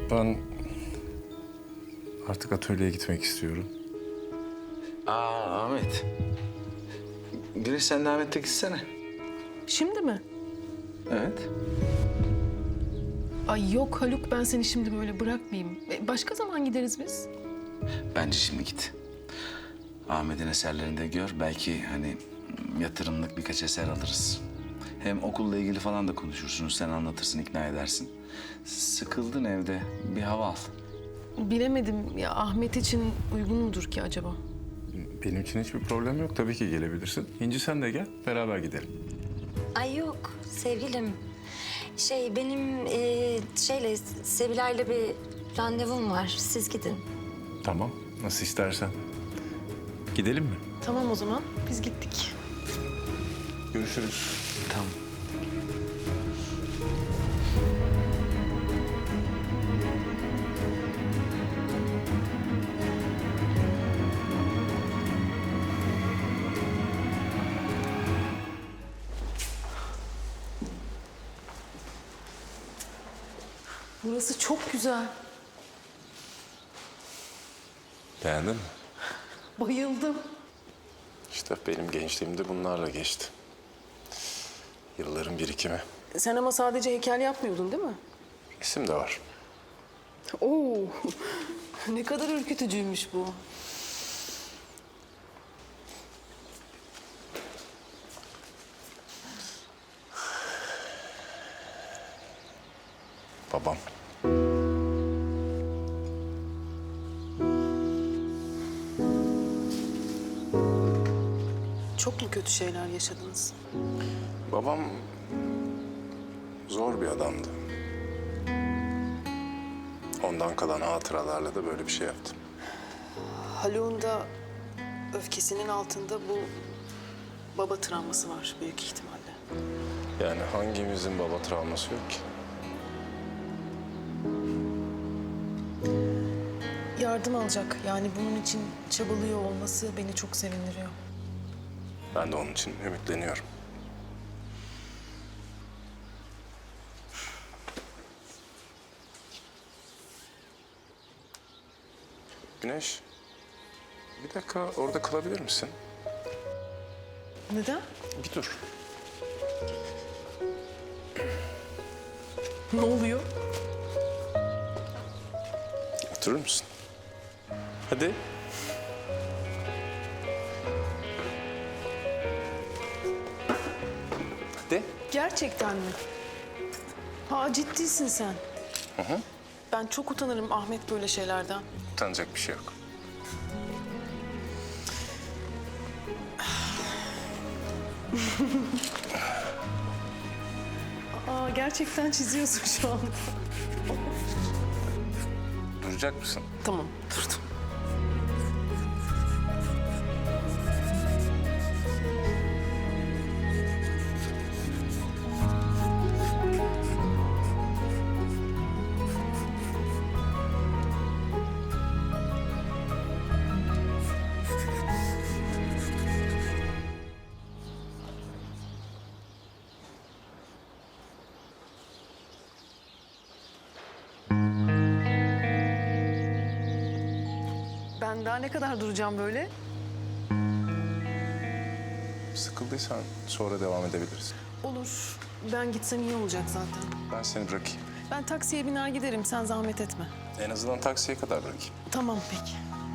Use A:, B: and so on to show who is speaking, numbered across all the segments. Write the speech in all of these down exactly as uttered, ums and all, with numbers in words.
A: Ben artık atölyeye gitmek istiyorum.
B: Aa Ahmet. Güneş sen de Ahmet'le gitsene.
C: Şimdi mi?
B: Evet.
C: Ay yok Haluk, ben seni şimdi böyle bırakmayayım. E, Başka zaman gideriz biz.
B: Bence şimdi git. Ahmet'in eserlerini de gör. Belki hani yatırımlık birkaç eser alırız. Hem okulla ilgili falan da konuşursunuz. Sen anlatırsın, ikna edersin. Sıkıldın evde. Bir hava al.
C: Bilemedim ya, Ahmet için uygun mudur ki acaba?
A: Benim için hiçbir problem yok. Tabii ki gelebilirsin. İnci sen de gel, beraber gidelim.
D: Ay yok sevgilim. Şey benim e, şeyle Sevilay'la bir randevum var. Siz gidin.
A: Tamam, nasıl istersen. Gidelim mi?
C: Tamam o zaman, biz gittik.
A: Görüşürüz.
B: Tamam.
C: Burası çok güzel.
A: Beğendin mi?
C: Bayıldım.
A: İşte benim gençliğimde bunlarla geçti. Yılların birikimi.
C: Sen ama sadece heykel yapmıyordun değil mi?
A: İsim de var.
C: Oo, ne kadar ürkütücüymüş bu.
A: Babam.
C: Çok mu kötü şeyler yaşadınız?
A: Babam zor bir adamdı. Ondan kalan hatıralarla da böyle bir şey yaptım.
C: Haluk'un da öfkesinin altında bu baba travması var büyük ihtimalle.
A: Yani hangimizin baba travması yok ki?
C: Yardım alacak. Yani bunun için çabalıyor olması beni çok sevindiriyor.
A: Ben de onun için ümitleniyorum. Güneş, bir dakika orada kalabilir misin?
C: Neden?
A: Bir dur.
C: Ne oluyor?
A: Oturur musun? Hadi. Hadi.
C: Gerçekten mi? Ha, ciddisin sen.
A: Hı hı.
C: Ben çok utanırım Ahmet böyle şeylerden.
A: Utanacak bir şey yok.
C: Aa, gerçekten çiziyorsun şu an.
A: Duracak mısın?
C: Tamam, durdum. Ben daha ne kadar duracağım böyle?
A: Sıkıldıysan sonra devam edebiliriz.
C: Olur. Ben gitsem iyi olacak zaten.
A: Ben seni bırakayım.
C: Ben taksiye biner giderim. Sen zahmet etme.
A: En azından taksiye kadar bırakayım.
C: Tamam peki.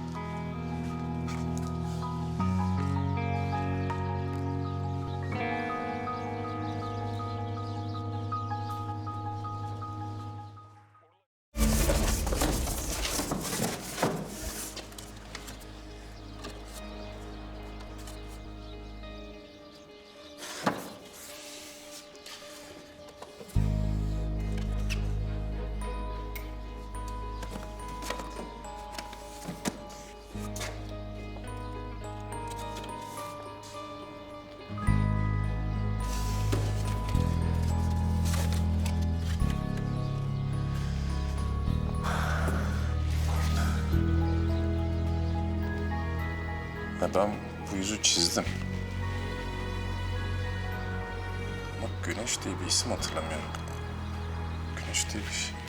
A: Ya ben bu yüzü çizdim. Ama Güneş diye bir isim hatırlamıyorum. Güneş diye bir şey.